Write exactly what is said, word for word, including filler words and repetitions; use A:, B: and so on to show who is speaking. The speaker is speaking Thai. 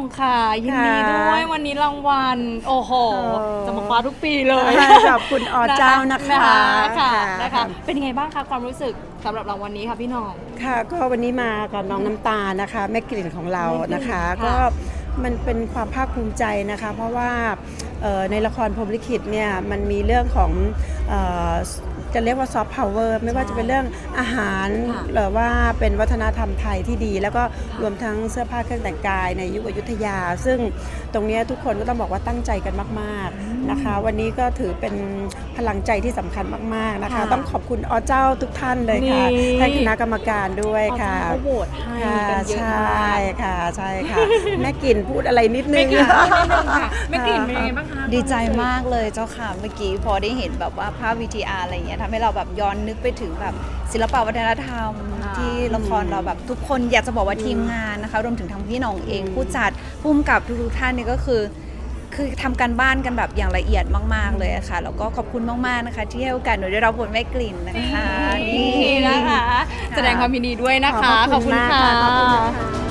A: ค่ะยินดีด้วยวันนี้รางวัลโอ้โหจะมาคว้าทุกปีเลย
B: ขอบคุณอเจ้านะคะ
A: ค่ะนะคะเป็นยังไงบ้างคะความรู้สึกสำหรับรางวัลนี้ค่ะพี่น้อง
B: ค่ะก็วันนี้มากับน้องน้ำตาลนะคะแม่กลิ่นของเรานะคะก็มันเป็นความภาคภูมิใจนะคะเพราะว่าในละครพรหมลิขิตเนี่ยมันมีเรื่องของจะเรียกว่าซอฟต์พาวเวอร์ไม่ว่าจะเป็นเรื่องอาหารหรือว่าเป็นวัฒนธรรมไทยที่ดีแล้วก็รวมทั้งเสื้อผ้าเครื่องแต่งกายในยุคอยุธยาซึ่งตรงนี้ทุกคนก็ต้องบอกว่าตั้งใจกันมากๆนะคะวันนี้ก็ถือเป็นพลังใจที่สำคัญมากๆนะคะต้องขอบคุณอเจ้าทุกท่านเลยค่ะท่านคณะกรรมการด้วยค่ะ
A: เขาโหวตให้กันเยอะมาก
B: ใช่ค่ะใช่ค่ะแม่กลิ่นพูดอะไรนิดนึง
A: แม่กลิ่นเป็นยังไงบ้างคะ
C: ดีใจมากเลยเจ้าค่ะเมื่อกี้พอได้เห็นแบบว่าภาพ วี ที อาร์ อะไรอย่างเงี้ยทำให้เราแบบย้อนนึกไปถึงแบบศิลปวัฒนธรรมที่ละครเราแบบทุกคนอยากจะบอกว่าทีมงานนะคะรวมถึงทั้งพี่น้องเองผู้จัดผู้กำกับทุกท่านนี่ก็คือคือทำการบ้านกันแบบอย่างละเอียดมากๆเลยค่ะแล้วก็ขอบคุณมากๆนะคะที่ให้โอกาสหนูได้รับบทแม่กลิ่นนะคะ
A: นี่นะคะแสดงความยินดีด้วยนะคะขอบคุณค่ะ